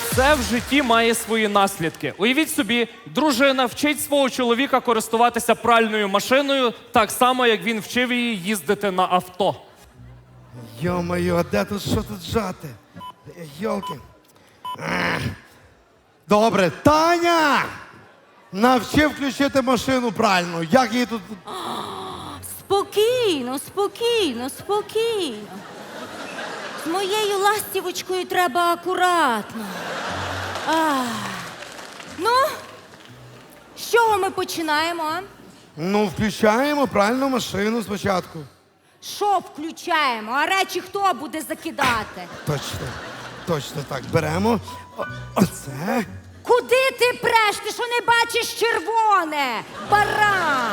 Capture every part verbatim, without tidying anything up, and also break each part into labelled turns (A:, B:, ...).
A: Все в житті має свої наслідки. Уявіть собі, дружина вчить свого чоловіка користуватися пральною машиною так само, як він вчив її їздити на авто.
B: Йо-моє, а де тут, що тут жати? Йолки. Ех. Добре, Таня! Навчи включити машину правильно. Як її тут...
C: Спокійно, спокійно, спокійно. З моєю ластівочкою треба акуратно. Ах. Ну, з чого ми починаємо, а?
B: Ну, включаємо правильно машину спочатку.
C: Що включаємо? А речі хто буде закидати?
B: Точно, точно так. Беремо. О- оце.
C: Куди ти преш? Ти що не бачиш червоне? Баран!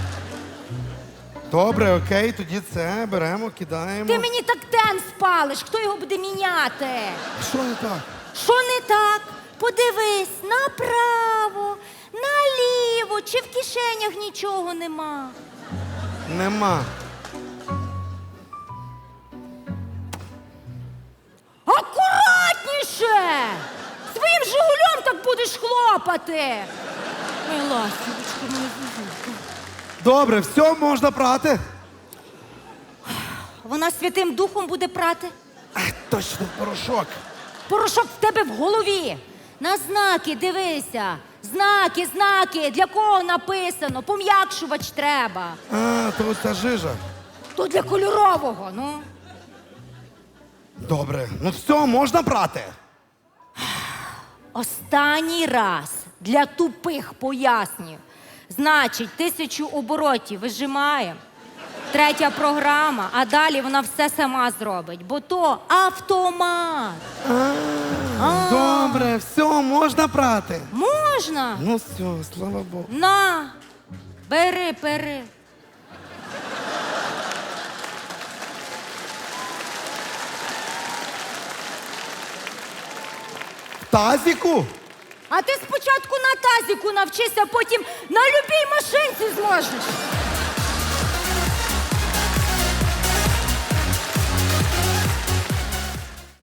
B: Добре, окей, тоді це беремо, кидаємо.
C: Ти мені так тен спалиш, хто його буде міняти?
B: Що не так?
C: Що не так? Подивись направо, наліво, чи в кишенях нічого нема.
B: Нема.
C: Акуратніше! Своїм жигулем так будеш хлопати. Ой, ластівочка, моя зузулька.
B: Добре, все, можна прати.
C: Вона Святим Духом буде прати.
B: Ах, точно, порошок.
C: Порошок в тебе в голові. На знаки дивися. Знаки, знаки. Для кого написано? Пом'якшувач треба.
B: А, то ось та жижа.
C: То для кольорового, ну.
B: Добре, ну все, можна прати.
C: Останній раз для тупих пояснів. Значить, тисячу оборотів вижимаємо. Третя програма, а далі вона все сама зробить, бо то автомат. А.
B: Добре, все, можна прати.
C: Можна?
B: Ну все, слава Богу.
C: На, бери, бери.
B: В тазіку?
C: А ти спочатку на тазіку навчися, потім на любій машинці зможеш.